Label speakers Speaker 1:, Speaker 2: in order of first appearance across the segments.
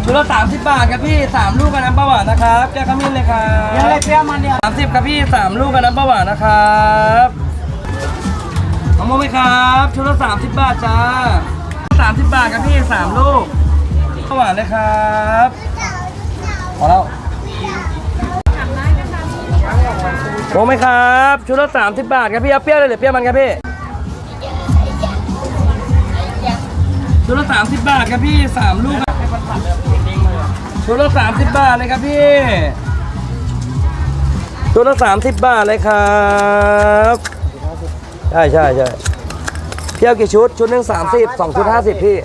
Speaker 1: ชุดละ30 บาทครับพี่3 ลูกกับน้ำปลาหวานนะครับแก้ขมิ้นเลยครับ
Speaker 2: ยังไงเปรี้ยวมันเนี่ย
Speaker 1: 30ครับพี่3 ลูกกับน้ำปลาหวานนะครับมะม่วงไหมครับชุดละ30 บาทจ้า30 บาทครับพี่3 ลูกปลาหวานเลยครับพอแล้วโอ้ไหมครับชุดละ30 บาทครับพี่เอาเปรี้ยวเลยหรือเปรี้ยวมันครับพี่ชุดละ30 บาทครับพี่3 ลูกชุดละ30 บาทเลยครับพี่ชุดละ30 บาทเลยครับใช่เที่ยวกี่ชุดชุดหนึ่ง30 2 ชุด50พี่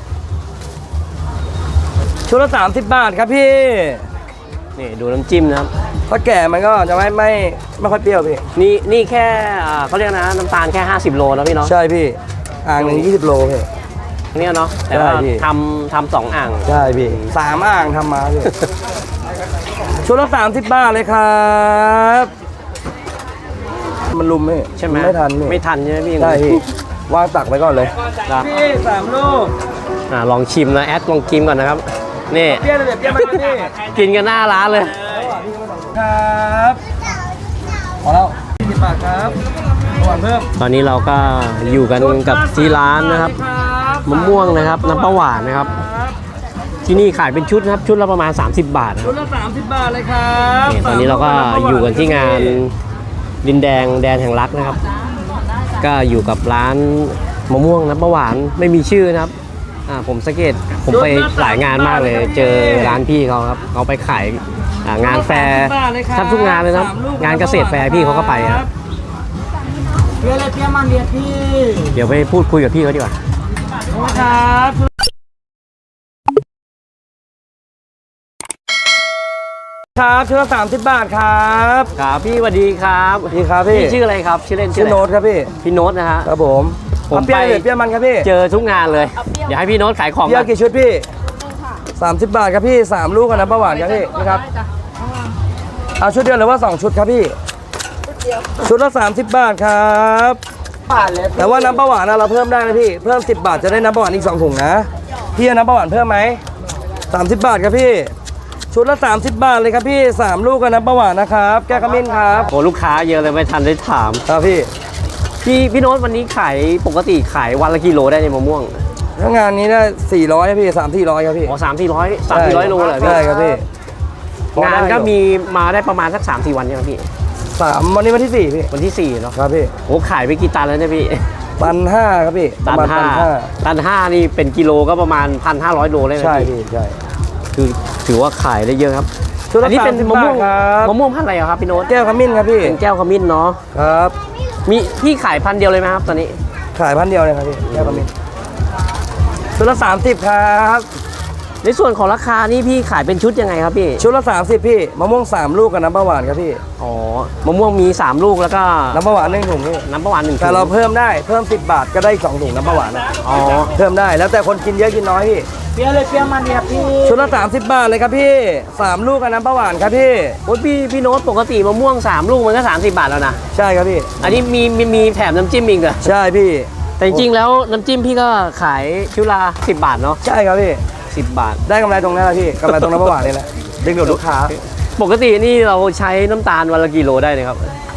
Speaker 1: ชุดละ30 บาทครับพี่
Speaker 3: นี่ดูน้ำจิ้มนะครับ
Speaker 1: ถ้าแก่มันก็จะไม่ค่อยเปรี้ยวพี่
Speaker 3: นี่แค่เขาเรียกนะน้ำตาลแค่50 โลนะพี่เนาะ
Speaker 1: ใช่พี่อ่างหนึ่ง20 โลพี่
Speaker 3: เนี่ยเนาะแต่ว่าทำ2 อ่าง
Speaker 1: ใช่พี่3 อ่างทำมาพี่ชุดละ30 บาทเลยครับมันลุมไม่
Speaker 3: ใช่ไหม
Speaker 1: ไม่ทัน
Speaker 3: ใช่ไหมพี่
Speaker 1: ใช่พี่วางตักไว้ก่อนเลยพี่3 ลูก
Speaker 3: ลองชิมนะแอดลองกินก่อนนะครับนี่
Speaker 1: เปรี้ยวเลยเปรี้ยวไหมพี่
Speaker 3: กินกันหน้าร้านเลย
Speaker 1: ครับพอแล้ว20 บาทครับหวานเพิ่ม
Speaker 3: ตอนนี้เราก็อยู่กันกับที่ร้านนะครับมะม่วงนะครับน้ำปลาหวานนะครับที่นี่ขายเป็นชุดนะครับชุดละประมาณ30 บาท
Speaker 1: ชุดละ30 บาทเลยครับ
Speaker 3: ตอนนี้เราก็อยู่กันที่งานดินแดงแดนแห่งรักนะครับก็อยู่กับร้านมะม่วงน้ำปลาหวานไม่มีชื่อนะครับผมสังเกตผมไปหลายงานมากเลยเจอร้านพี่เขาครับเขาไปขายงานแฟร์ทำทุกงานเลยนะครับงานเกษตรแฟร์พี่เขาก็ไปครับ
Speaker 2: เปรี้ยวเลยเปรี้ยวมันเนี่ยพี่
Speaker 3: เดี๋ยวไปพูดคุยกับพี่เขาดีกว่า
Speaker 1: ครับชุดละ30 บาทครับ
Speaker 3: ครับพี่สวัสดีครับ
Speaker 1: พี่ครับพี่
Speaker 3: ชื่ออะไรครับชื่อเล่น
Speaker 1: ชื่อโน้ตครับ
Speaker 3: พี่โน้ตนะฮะ
Speaker 1: ครับผมเปรี้ยวเลยเปรี้ยวมันครับพี่
Speaker 3: เจอทุกงานเลยเดี๋ยวให้พี่โน้ตขายของ
Speaker 1: เปรี้ยวกี่ชุดพี่30 บาทครับพี่3 ลูกกับน้ำปลาหวานครับพี่นี่ครับเอาชุดเดียวหรือว่า2 ชุดครับพี่ชุดละ30 บาทครับแต่ว่าน้ำปลาหวานเราเพิ่มได้นะพี่เพิ่ม10 บาทจะได้น้ำปลาหวานอีก2 ถุงนะพี่เอาน้ำปลาหวานเพิ่มไหม30 บาทครับพี่ชุดละ30 บาทเลยครับพี่3 ลูกกับน้ำปลาหวานนะครับแก้ขมิ้นครับ
Speaker 3: โอ้ลูกค้าเยอะเลยไม่ทันได้ถาม
Speaker 1: ครับ
Speaker 3: พี่โน้ตวันนี้ขายปกติขายวันละกิโลได้ในมะม่วง
Speaker 1: ถ้างานนี้ได้400ครับพี่300-400ครับพี่
Speaker 3: อ๋อ300-400โลเลย
Speaker 1: ใช่ครับพี่
Speaker 3: งานก็มีมาได้ประมาณสัก3-4 วันใช่ไหมพี่
Speaker 1: วันนี้วันที่4พี่
Speaker 3: วันที่4เนาะ
Speaker 1: ครับพี่
Speaker 3: โอ้ขายไปกี่ตันแล้วเนี่ยพี่
Speaker 1: ตัน 5ครับพี่
Speaker 3: ตัน 5นี่เป็นกิโลก็ประมาณ 1,500 โลเลยนะ
Speaker 1: ใช่พี่ใช่
Speaker 3: คือถือว่าขายได้เยอะครับอันนี้เป็นมะม่วงพันธุ์อะไรครับพี่โน้ต
Speaker 1: แก้วขมิ้นครับพี่
Speaker 3: เป็นแก้วขมิ้นเนาะ
Speaker 1: ครับ
Speaker 3: มีพี่ขายพันธุ์เดียวเลยไหมครับตอนนี้
Speaker 1: ขายพันธุ์เดียวเลยครับพี่แก้วขมิ้นชุดละ30ครับ
Speaker 3: ในส่วนของราคานี่พี่ขายเป็นชุดยังไงครับพี่
Speaker 1: ชุดละ30พี่มะม่วง3 ลูกกับน้ำปลาหวานครับพี่
Speaker 3: อ๋อมะม่วงมี3 ลูกแล้วก็
Speaker 1: น้ำปลาหวาน1 ถุงนี่
Speaker 3: น้ำปลาหวาน1 ถุง
Speaker 1: แต่เราเพิ่มได้เพิ่ม10 บาทก็ได้2 ถุงน้ำปลาหวาน
Speaker 3: อ๋อ
Speaker 1: เพิ่มได้แล้วแต่คนกินเยอะกินน้อยพี่
Speaker 2: เปรี้ยวเลยเปรี้ยวมันเนี่ยพี่
Speaker 1: ชุดละ30 บาทเลยครับพี่3 ลูกกับน้ำปลาหวานครับพี่
Speaker 3: โอ้พี่โน้ตปกติมะม่วง3 ลูกมันก็30 บาทแล้วนะ
Speaker 1: ใช่ครับพี่
Speaker 3: อันนี้มีแถมน้ำจิ้มอีกเหรอ
Speaker 1: ใช่พี่
Speaker 3: แต่จริงๆแล้วน้ำจิ้มพี่ก็ขายชุดละ10 บาทเนาะ
Speaker 1: ใช่ครับพี่
Speaker 3: 10 บาท
Speaker 1: ได้กำไรตรงนั้นแหละพี่กำไรตรงน้ำปลาหวานนี่แหละดึงดูดลูกค้า
Speaker 3: ปกตินี่เราใช้น้ำตาลวันละกี่โลได้เลยครับ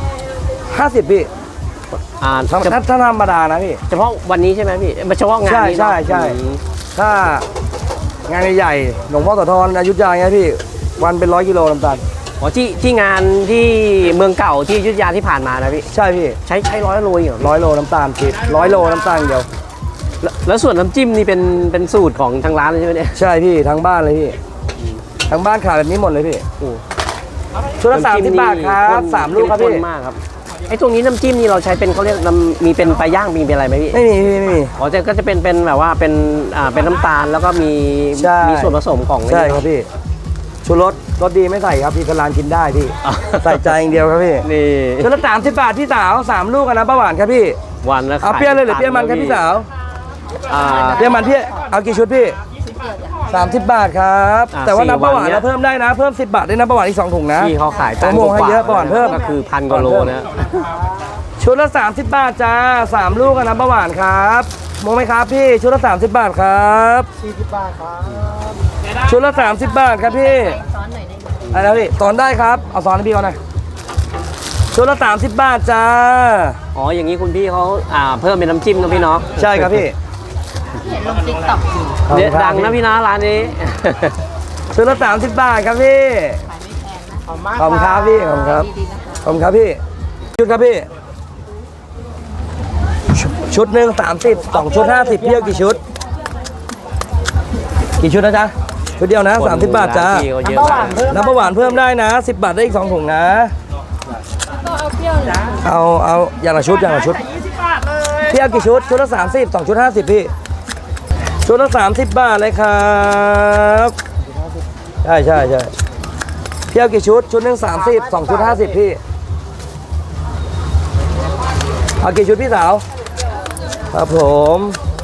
Speaker 1: 50พี่ถ้าธรรมดานะพี่
Speaker 3: เฉพาะวันนี้ใช่ไหมพี่เฉพาะงานนี้
Speaker 1: ใช่ถ้างานใหญ่หลวงพ่อโสธรอยุธยาไงพี่วันเป็น100 กิโลน้ำตาล
Speaker 3: อ๋อที่งานที่เมืองเก่าที่อยุธยาที่ผ่านมานะพี่
Speaker 1: ใช่พี่
Speaker 3: ใช้100 โลเหรอ
Speaker 1: 100 โลน้ำตาลพี่100 โลน้ำตาลเดียว
Speaker 3: แล้วส่วนน้ำจิ้มนี่เป็นสูตรของทางร้านเลยใช่ไหมเนี่ย
Speaker 1: ใช่พี่ทั้งบ้านเลยพี่ทั้งบ้านขายแบบนี้หมดเลยพี่ชุดละ30 บาทครับ3 ลูกครับพี่
Speaker 3: มากครับไอ้ตรงนี้น้ำจิ้มนี่เราใช้เป็นเขาเรียกมีเป็นปลาย่างมีเป็นอะไรไหมพี่
Speaker 1: ไม่มี
Speaker 3: อ๋อก็จะเป็นแบบว่าเป็นน้ำตาลแล้วก็มีส่วนผสมของ
Speaker 1: ใช่ครับพี่ชูรสดีไม่ใส่ครับพี่กระลานกินได้พี่ใส่ใจอย่างเดียวครับพี่
Speaker 3: นี่
Speaker 1: ชุดละ30 บาทพี่สาว3 ลูกกับน้ำปลาหวานครับพี่
Speaker 3: วันละ
Speaker 1: เอาเปรี้ยวเลยหรือเปรี้ยวมันครับพี่สาวเปรี้ยวมันพี่เอากี่ชุดพี่30 บาทครับแต่ว่าน้ำปลาหวานเราเพิ่มได้นะเพิ่ม10 บาทได้น้ำปลาหวานอีก2 ถุงนะ
Speaker 3: ที่เขาขาย
Speaker 1: มะม่วงให้เยอะปลาหวานเพิ่ม
Speaker 3: ก็คือ1,000 กว่าโลนะ
Speaker 1: ชุดละ30 บาทจ้า3 ลูกกับน้ำปลาหวานครับมองไหมครับพี่ชุดละ30 บาทครับ
Speaker 2: 40 บาทครับ
Speaker 1: ชุดละ30 บาทครับพี่อะไรนะพี่ตอนได้ครับเอาซอนให้พี่เขาหน่อยชุดละ30 บาทจ้า
Speaker 3: อ๋ออย่างนี้คุณพี่เขาเพิ่มเป็นน้ำจิ้มนะพี่เนาะ
Speaker 1: ใช่ครับพี่
Speaker 4: เห็นลงติ๊กต็อกอยู่
Speaker 3: เด็ดดังนะพี่นะร้านนี้
Speaker 1: ชุดละ30 บาทครับพี่
Speaker 4: ขายไม่แพงนะ
Speaker 2: ขอบมาก
Speaker 1: ขอบคุณครับพี่ขอบคุณครับ
Speaker 4: ดีๆนะคะ
Speaker 1: ขอบคุณครับพี่ชุดครับพี่ชุดหนึ่ง30 2 ชุด 50พี่เอากี่ชุดนะจ๊ะชุดเดียวนะ30 บาทจ้า
Speaker 3: ร้นพี่เขาเยอะมาก
Speaker 1: น้ำประหวานเพิ่มได้นะ10 บาทได้อีก2 ถุงนะ
Speaker 4: ก็เอาเปรี้ยวนะ
Speaker 1: เอาอย่างละชุดพี่เอากี่ชุดชุดละ30 2 ชุด 50พี่ชุดละ30 บาทเลยครับใช่พี่เอากี่ชุดชุดหนึ่ง30 2 ชุด 50พี่เอากี่ชุดพี่สาวครับผม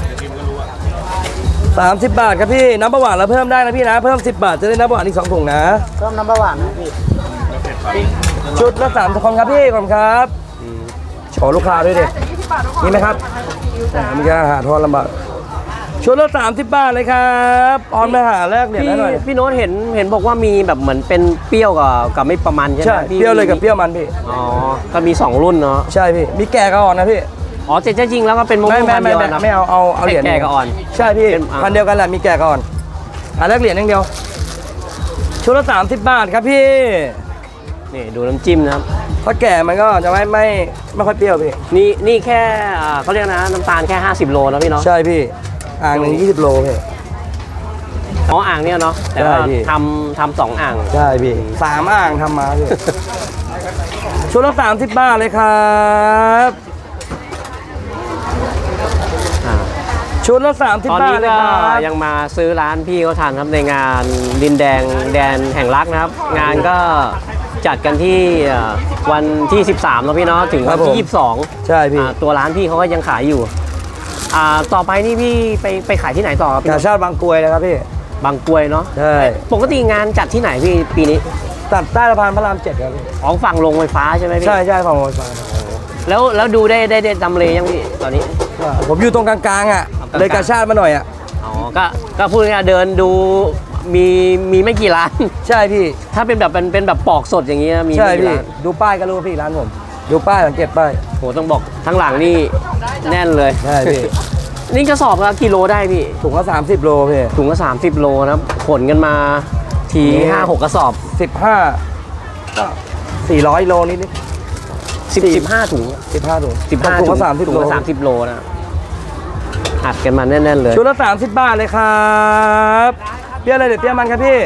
Speaker 1: 30 บาทครับพี่น้ำประหวานเราเพิ่มได้นะพี่นะเพิ่ม10 บาทจะได้น้ำประหวานอีก2 ถุงนะ
Speaker 2: เพิ่มน้ำปลาหวานนะพี่
Speaker 1: ชุดละ3 คนครับพี่ขอบคุณครับโชว์ลูกค้าด้วยดินี่ไหมครับมันจะหาทอนลำบากชุดละ30 บาทเลยครับออนไปหาแรกเหรียญ
Speaker 3: พี่
Speaker 1: ให้หน่อย
Speaker 3: พี่โน้ตเห็นบอกว่ามีแบบเหมือนเป็นเปรี้ยวกับไม่ประมาณใช่ไหม
Speaker 1: ใช่
Speaker 3: พี่
Speaker 1: เปรี้ยวเลยกับเปรี้ยวมันพี่
Speaker 3: อ๋อก็มี2รุ่นเนาะ
Speaker 1: ใช่พี่มีแก่กับอ่อนนะพี่
Speaker 3: อ๋อแต่จริงๆแล้วก็เป็นมะม่วงพันธุ์เดียวกันนะ
Speaker 1: ไม่เอาเหรียญ
Speaker 3: แก่กับอ่อน
Speaker 1: ใช่พี่
Speaker 3: เป็น
Speaker 1: พันเดียวกันแหละมีแก่กับอ่อนหาแรกเหรียญอย่างเดียวชุดละ30 บาทครับพี่
Speaker 3: นี่ดูน้ำจิ้มนะครับ
Speaker 1: ถ้าแก่มันก็จะไม่ค่อยเปรี้ยวพี่
Speaker 3: นี่แค่เขาเรียกนะน้ำตาลแค่50 โลนะพี่เนาะ
Speaker 1: ใช่พี่อ่างหนึ่ง20 โลพี่
Speaker 3: อ๋ออ่างเนี่ยเนาะแต่ว่า
Speaker 1: ใช่พี่
Speaker 3: ทำ2อ่าง
Speaker 1: ใช่พี่3 อ่างทำมาพี่ ชุดละ30 บาทเลยครับ
Speaker 3: อ่า
Speaker 1: ชุดละ30
Speaker 3: ตอน
Speaker 1: บา
Speaker 3: นี้
Speaker 1: ทเลย
Speaker 3: ก็
Speaker 1: ครับ
Speaker 3: ยังมาซื้อร้านพี่เขาทานครับในงานดินแดงแดนแห่งรักนะครับ งานก็จัดกันที่วันที่ 13แล้วพี่เนาะถึงวันที่ 22
Speaker 1: ใช่พี่
Speaker 3: ตัวร้านพี่เขาก็ยังขายอยู่ต่อไปนี่พี่ไปขายที่ไหนต่อครับพี่
Speaker 1: กาชาติบางกรวยเลยครับพี่
Speaker 3: บางกรวยเนาะ
Speaker 1: ใช่
Speaker 3: ปกติงานจัดที่ไหนพี่ปีนี้
Speaker 1: ตัดใต้สะพานพระราม7ครับพี่
Speaker 3: อ๋อฝั่งลงไฟฟ้าใช่ไหมพี่
Speaker 1: ใช่ฝั่งโอซา
Speaker 3: แล้วดูได้จำเลยังพี่ตอนนี้
Speaker 1: ผมอยู่ตรงกลางๆอ่ะ
Speaker 3: กลางๆ
Speaker 1: เลยกาชาติมาหน่อยอ่ะ
Speaker 3: อ๋อก็พูดง่ายๆเดินดูมีไม่กี่ร้าน
Speaker 1: ใช่พี่
Speaker 3: ถ้าเป็นแบบปอกสดอย่างนี้นะมี
Speaker 1: ใช่
Speaker 3: ไม่กี่
Speaker 1: พี่
Speaker 3: ร้าน
Speaker 1: ดูป้ายก็รู้ว่าพี่ร้านผมดูป้ายสังเกตป้าย
Speaker 3: โหต้องบอกทั้งหลังนี่แน่นเลย
Speaker 1: ใช่พี่
Speaker 3: นี่กระสอบละกิโลได้พี่
Speaker 1: ถุงละ30 โลพี่
Speaker 3: ถุงละ30 โลนะครับขนกันมาที
Speaker 1: นี่
Speaker 3: 5-6 กระสอบ
Speaker 1: 15ก็400 โลนิด
Speaker 3: 15 ถุง
Speaker 1: 15 ถุง
Speaker 3: 15
Speaker 1: ถุงละ30
Speaker 3: ถุง
Speaker 1: โล
Speaker 3: ละ30 โลนะอัดกันมาแน่นๆเลย
Speaker 1: ชุดละ30 บาทเลยครับเปรี้ยวอะไรเดี๋ยวเปรี้ยวมันครับพี่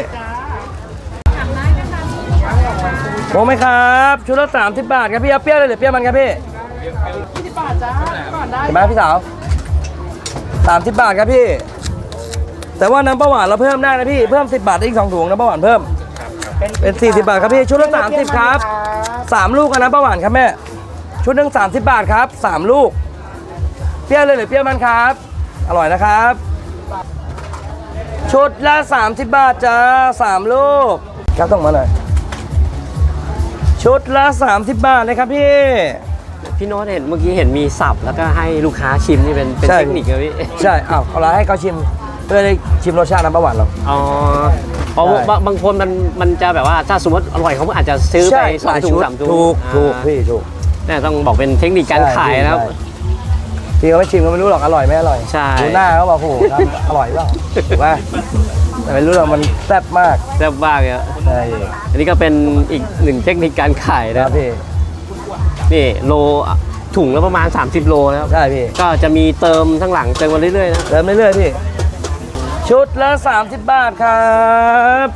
Speaker 1: โมไหมครับชุดละ30 บาทครับพี่เอาเปรี้ยวเลยเดี๋ยวเปรี้ยวมันครับพี่20 บาทจ้าก่อนได้เห็นไหมพี่สาว30 บาทครับพี่แต่ว่าน้ำประหวานเราเพิ่มได้นะพี่เพิ่ม10 บาทได้อีก2 ถุงน้ำประหวานเพิ่มเป็น40 บาทครับพี่ชุดละ30ครับ3 ลูกกันน้ำประหวานครับแม่ชุดหนึ่ง30 บาทครับ3 ลูกเปรี้ยวเลยหรือเปรี้ยวมันครับอร่อยนะครับชุดละ30 บาทจ้า3 ลูกครับต้องมาหน่อยชุดละ30 บาทเลยครับพี่
Speaker 3: พี่โน้ตเห็นเมื่อกี้เห็นมีสับแล้วก็ให้ลูกค้าชิมนี่เป็น
Speaker 1: ใช่
Speaker 3: เทคนิคเลยพี่
Speaker 1: ใช่เอาละให้เขาชิมเพื่อได้ชิมรสชาติน้ำประหวานเรา
Speaker 3: อ๋อเพราะ
Speaker 1: ใช่
Speaker 3: บางคนมันจะแบบว่าถ้าสมมติอร่อยเขาอาจจะซื้อไป2 ถุง 3 ถุง
Speaker 1: ถูกพี่ถูก
Speaker 3: เนี่ยต้องบอกเป็นเทคนิคการขายนะครับ
Speaker 1: พี่เขาไม่ชิมก็ไม่รู้หรอกอร่อยไม่อร่อย
Speaker 3: ใช่
Speaker 1: ดูหน้าเขาบอกโอ้โหทำอร่อยเปล่าถูกป่ะแต่ไม่รู้หรอกมันแซ่บมาก
Speaker 3: แซ่บมากเลยอะ
Speaker 1: ใช่
Speaker 3: อันนี้ก็เป็นอีกหนึ่งเทคนิคการขาย
Speaker 1: ค
Speaker 3: นะ
Speaker 1: รับพี่
Speaker 3: นี่โลถุงละประมาณ 30 โลนะครับ
Speaker 1: ใช่พี่
Speaker 3: ก็จะมีเติมทั้งหลังเติมมาเรื่อยๆนะ
Speaker 1: เติมเรื่อยๆพี่ชุดละ30 บาทครับ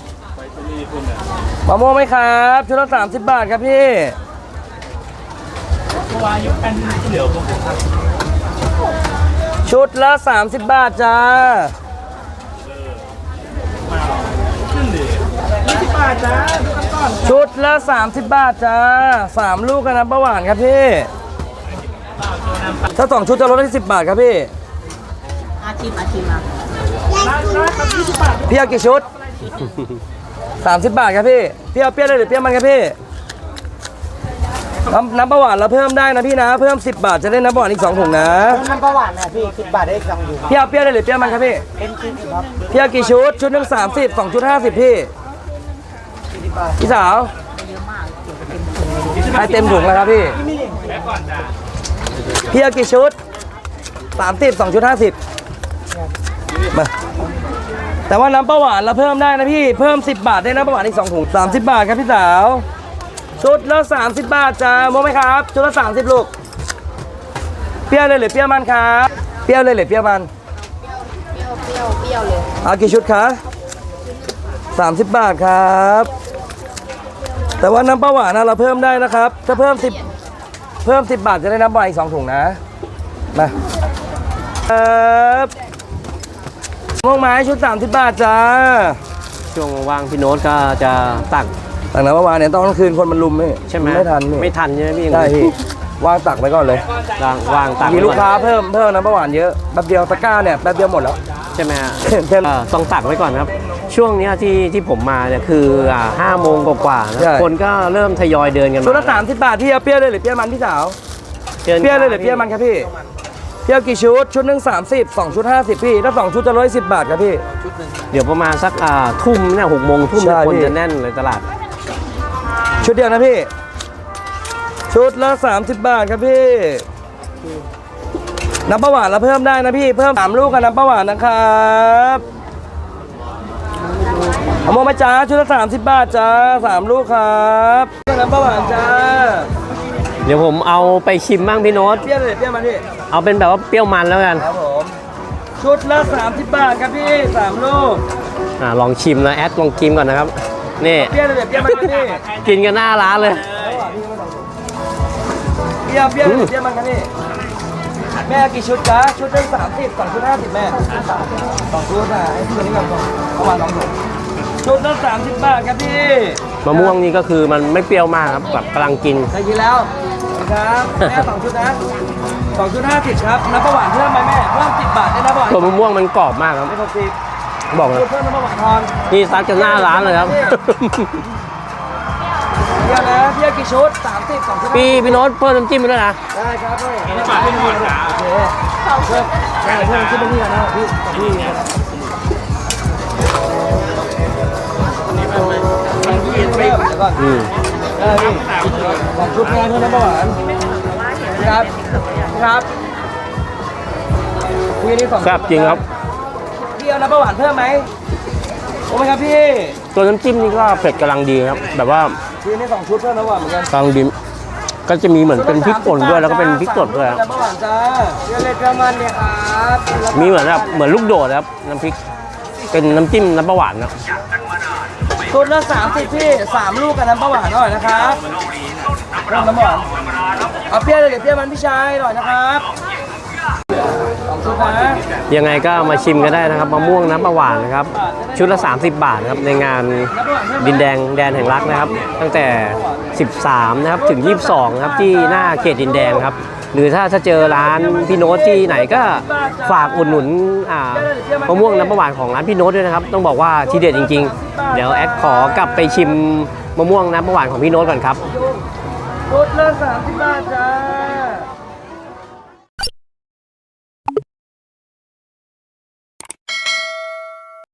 Speaker 1: มะม่วงไหมครับชุดละ30 บาทครับพี่ชุดละ30 บาทจ้าชุดละ30 บาทจ้า3 ลูกกันน้ำประหวานครับพี่ถ้า2 ชุดจะลดได้10 บาทครับพี่
Speaker 4: อาชิมมา
Speaker 1: พี่เอากี่ชุด 30 บาทครับพี่พี่เอาเปรี้ยวเลยหรือเปรี้ยวมันครับพี่น้ำประหวานเราเพิ่มได้นะพี่นะ เพิ่ม10 บาทจะได้น้ำประหวานอีก2ถุงนะ
Speaker 2: น้ำประหวานนะพี่10 บาทได้อีก2 ถุง
Speaker 1: พี่เอาเปรี้ยวได้หรือเปรี้ยวมันครับพี่
Speaker 2: เป็นชิ้นครับ
Speaker 1: พี่เอากี่ชุด ชุดหนึ่ง30 2 ชุด 50 พี่ พี่สาวให้เต็มถุงแล้วครับพี่ พี่เอากี่ชุด 30 2 ชุด 50 มา แต่ว่าน้ำประหวานเราเพิ่มได้นะพี่ เพิ่ม10 บาทได้น้ำประหวานอีก2ถุง30 บาทครับพี่สาว ชุดละ30 บาทจ้าโมไหมครับ ชุดละ30 ลูก เปรี้ยวเลยหรือเปรี้ยวมันครับ เปรี้ยวเลยหรือเปรี้ยวมัน
Speaker 4: เปรี้ยวเลย
Speaker 1: เอากี่ชุดคะ30 บาทครับ แต่ว่าน้ำประหวานนะเราเพิ่มได้นะครับ ถ้าเพิ่ม10 บาทจะได้น้ำประหวานอีก2ถุงนะ มาครับม่วงไม้ชุด30 บาทจ้า
Speaker 3: ช่วงว่างพี่โน้ตก็จะตัก
Speaker 1: แต่น้ำประหวานเนี่ยตอนกลางคืนคนมันลุมนี่
Speaker 3: ใช่ไหม
Speaker 1: ไม่ทันนี่
Speaker 3: ไม่ทันใช่ไหมพี่
Speaker 1: ใช่พี่วางตักไว้ก่อนเลย
Speaker 3: วางตัก
Speaker 1: มี
Speaker 3: ไว้
Speaker 1: ลูก
Speaker 3: ก่อน
Speaker 1: ค้าเพิ่มน้ำประหวานเยอะแป๊บเดียวตะกร้าเนี่ยแป๊บเดียวหมดแล้ว
Speaker 3: ใช่ไหมฮะ
Speaker 1: เต็ม
Speaker 3: ต้องตักไว้ก่อนครับ ช่วงเนี้ยที่ผมมาเนี่ยคือ5 โมงกว่าๆนะ
Speaker 1: ใช่
Speaker 3: คนก็เริ่มทยอยเดินกัน
Speaker 1: ชุดละ
Speaker 3: มา
Speaker 1: 30 บาทพี่เอาเปรี้ยวเลยหรือเปรี้ยวมันพี่สาว
Speaker 3: ชิญ
Speaker 1: เปรี้ยวเลยหรือเปรี้ยวมันครับพี่เปรี้ยวกี่ชุดชุดหนึ่ง30 2 ชุด 50 พี่ถ้า2 ชุดจะ110 บาทครับพี่
Speaker 3: เดี๋ยวประมาณสักทุ่มเนี่ย6 โมงทุ่ม
Speaker 1: ใช่
Speaker 3: คน
Speaker 1: พี่
Speaker 3: จะแน่นเลยตลาด
Speaker 1: ชุดเดียวนะพี่ ชุดละ30 บาทครับพี่น้ำประหวานเราเพิ่มได้นะพี่เพิ่ม3 ลูกกับน้ำประหวานนะครับเอาโมมาจ้าชุดละ30 บาทจ้า3 ลูกครับน้ำประหวานจ้า
Speaker 3: เดี๋ยวผมเอาไปชิมบ้างพี่โน้ต
Speaker 1: เปรี้ยวเลยเปรี้ยวมันพี่
Speaker 3: เอาเป็นแบบว่าเปรี้ยวมันแล้วกัน
Speaker 1: ครับผมชุดละ30 บาทครับพี่3 ลูก
Speaker 3: ลองชิมนะแอดลองกินก่อนนะครับนี่
Speaker 1: เปรี้ยวเลยเปรี้ยวมันครับพี่
Speaker 3: กินกันหน้าร้านเลย
Speaker 1: เปรี้ยวเปรี้ยวเลยเปรี้ยวมันครับพี่แม่กี่ชุดจ้าชุดได้30 2 ชุด 50 แม่2 ชุดอ่ะไอ้ตัวนี้ก่อนประมาณ2 ถุงชุดละ30 บาทครับพี่
Speaker 3: มะม่วงนี่ก็คือมันไม่เปรี้ยวมากครับแบบกำลังกิน
Speaker 1: ได้กินแล้วครับแม่2 ชุดนะ2 ชุด 50 ครับน้ำประหวานเพิ่มไหมแม่เพิ่ม10 บาทได้น้ำประหวาน
Speaker 3: ตัวมะม่วงมันกรอบมากครับ
Speaker 1: ไม่60
Speaker 3: บอกเลย
Speaker 1: เพิ่มน้ำประหวานทอน
Speaker 3: นี่ซัดกันหน้าร้านเลยครับ
Speaker 1: เปรี้ยวนะเปรี้ยวกี่ชุด30 2 ชุด
Speaker 3: พี่โน้ตเพิ่มน้ำจิ้มไปด้วยนะ
Speaker 1: ได้ครับพี่ฝากพี่หน่อยนะโอเคเพิ่มเพิ่มขึ้นไปนี่กันนะพี่กับพี่นะครับเดี๋ยวก่อน
Speaker 3: อืม
Speaker 1: ได้พี่2 ชุดงานเท่านั้นประหวานครับครับพี่นี่2
Speaker 3: แซ่บจริงครับ
Speaker 1: พี่เอาน้ำประหวานเพิ่มไหมโอ้ไหมครับพี่
Speaker 3: ตัวน้ำจิ้มนี่ก็เผ็ดกำลังดีครับ แบบว่า
Speaker 1: พี่นี่2 ชุดเพิ่มน้ำประหวานเหมือนกัน
Speaker 3: กำลังดีก็จะมีเหมือนเป็นพริกป่นด้วยแล้วก็เป็นพริกสดด้วยครับ
Speaker 1: น้ำประหวานจ้าเดี๋ยวเลยประมาณเนี่ยครับ
Speaker 3: มีเหมือนแบบเหมือนลูกโดดครับน้ำพริกเป็นน้ำจิ้มน้ำปลาหวานนะ
Speaker 1: ชุดละ30พี่3 ลูกกับน้ำประหวานหน่อยนะครับเริ่มน้ำประหวานเอาเปรี้ยวเลยเดี๋ยวเปรี้ยวมันพี่ชายหน่อยนะครับ2 ชุดนะ
Speaker 3: ยังไงก็มาชิมกันได้นะครับมะม่วงน้ำปลาหวานนะครับชุดละ30 บาทนะครับในงานดินแดงแดนแห่งรักนะครับ ตั้งแต่ 13นะครับถึง 22นะครับที่หน้าเขตดินแดงครับหรือถ้าเจอร้านพี่โน้ตที่ไหนก็ฝากอุดหนุนมะม่วงน้ำปลาหวานของร้านพี่โน้ตด้วยนะครับต้องบอกว่าทีเด็ดจริงๆเดี๋ยวแอดขอกลับไปชิมมะม่วงน้ำปลาหวานของพี่โน้ตก่อนครับ
Speaker 1: ชุดละ30 บาทจ้า